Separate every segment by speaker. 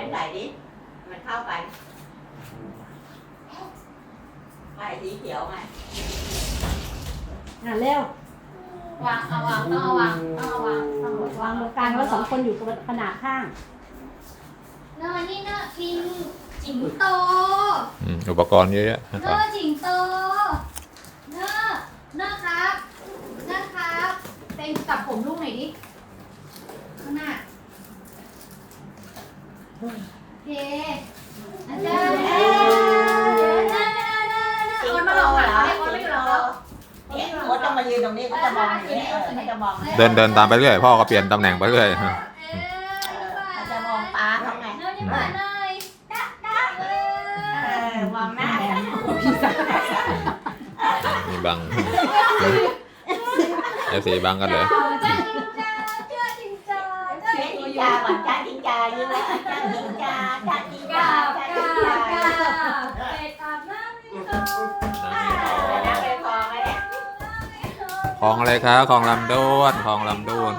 Speaker 1: ใส่ดิมันเข้ากันใส่สีเขียวไง
Speaker 2: เร็ว
Speaker 3: วางเอาวางต้องเอาวางต้องเอาวางต้อง
Speaker 2: วางตรงกลางแล้วสองคนอยู่ขนาดข้าง
Speaker 3: เนอนี่เนอพิงจิงโต
Speaker 4: อุปกรณ์เยอะแยะ
Speaker 3: เนอจิงโตเนอเนอครับเนอครับเต็งจับผมลูกหน่อยดิข้างหน้าโอเคอาจารย์โอนมาลงหลังโอนไม่อยู่หรอ
Speaker 1: เนี่ยโอ๊ตต้องมายืนตรงนี้ก็จะมองอย่างนี้เขาจะมอง
Speaker 4: เดินตามไปเรื่อยพ่อก็เปลี่ยนตำแหน่งไปเรื่อย
Speaker 1: เขาจะมองป้าเขาไงมองหน้า
Speaker 4: มีบังสีบังกันเลย
Speaker 1: จิงจาก่อนจ้าจิงจายืนแล้วจ้าจิงจาจ้าจิงจาจ้าจิงจา
Speaker 3: เป็ดอาบน้ำไม่เข้า
Speaker 1: น้ำไปคลองแล้วเนี่ย
Speaker 4: คลองอะไรครับคลองลำด้วนคลองลำด้วน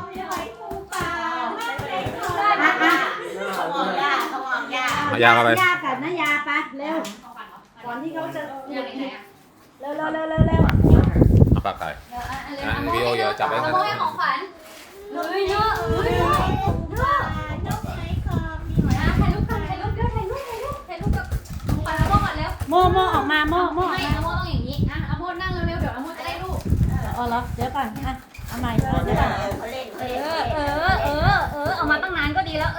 Speaker 4: ยาเข้าไป
Speaker 2: ยากับน้ายาไปเร็วก่อนที่เขาจะเร็ว
Speaker 4: เอาปากไก่วิโอเยอะจับไว้กัน
Speaker 3: โมยของขวัญเฮ้ยเยอะถ่ายรูปกับของขวัญโมก่อนเร็ว
Speaker 2: โมออกมาโม
Speaker 3: ไม่โมต้องอย่างนี้นะโมนั่งเร็วๆเดี๋ยวโมจะได้รูป
Speaker 2: เหรอเดี๋ยวก่อนเอาใหม่เดี๋ยวก่อน
Speaker 3: เอามาตั้งนานก็ดีแล้ว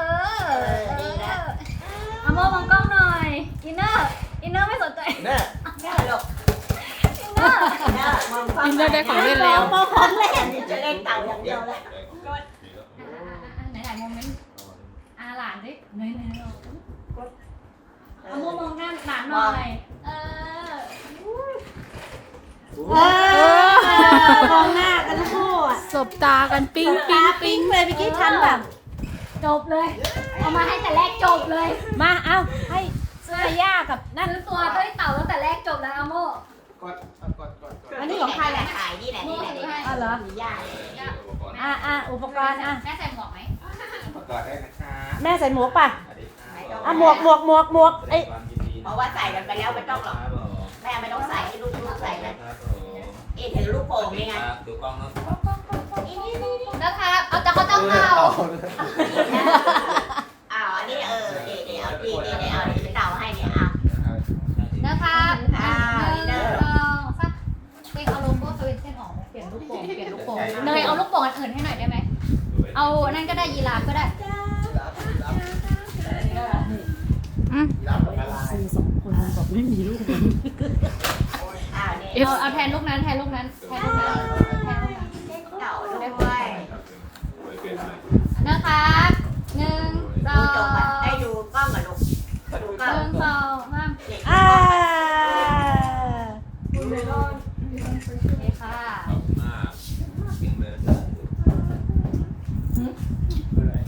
Speaker 3: เอาโมมองกล้องหน่อยอินเนอร์ไม่สนใจ
Speaker 1: แน่หรอก
Speaker 2: อินเนอร์ได้ของเล่นแล้วของเล่น
Speaker 1: จะเล่นเต่าอย่างเดียวเลย
Speaker 3: ไหนโมเมนต์หลานดิเนยเอาโมมองหน้าหลานหน่อย
Speaker 2: มองหน้ากันคู่
Speaker 5: สบตากันปิ๊ง
Speaker 2: เลยเมื่อกี้ทันแบบ
Speaker 3: จบเลยเอามาให้แต่แรกจบเลย
Speaker 2: มาเอาให้เสื้อย่ากับนั่น
Speaker 3: ตัวต้ยเต่าตั้งแต่แรกจบแล้วโม
Speaker 1: กด
Speaker 2: อันนี้ของใครแหละ
Speaker 1: ถ่ายนี่แหละนี่แหละ
Speaker 2: อ๋อเหรอ
Speaker 1: มีย่า
Speaker 2: อุปกรณ์
Speaker 3: แม่ใส่หมวกไหม
Speaker 1: ประกอบได้นะคะ
Speaker 2: แม่ใส่หมวกป่ะหมวกไอ
Speaker 1: เพราะว่าใส่กันไปแล้วไม่ต้องหรอกแม่ไม่ต้องใส่ให้ลูกใส่เลยถือลูกโป่งนี่ไง
Speaker 4: ดูกล้องนะ
Speaker 3: นะคะเอาจะเขาเต่า
Speaker 1: อันนี้เอาเต่าให้เนี่ย
Speaker 3: นะคะเเอาโลโก้สวิตเส้นออกเปลี่ยนลูกโป่งเนยเอาลูกโป่งอันอื่นให้หน่อยได้ไหมเอานั่นก็ได้ยีราฟก็ได้
Speaker 2: 4 2 คนบอกไม่มีลูก
Speaker 3: เอาแทนลูกนั้น
Speaker 1: เต่าด้วย
Speaker 3: นะคะ1 2
Speaker 1: ให้ดูกล้องกับลูกดูกล้อง
Speaker 3: 1 2 3ค่ะ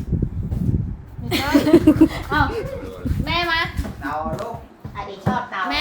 Speaker 3: แม่มา
Speaker 1: เต่าลูกอันนี้ชอบเต่า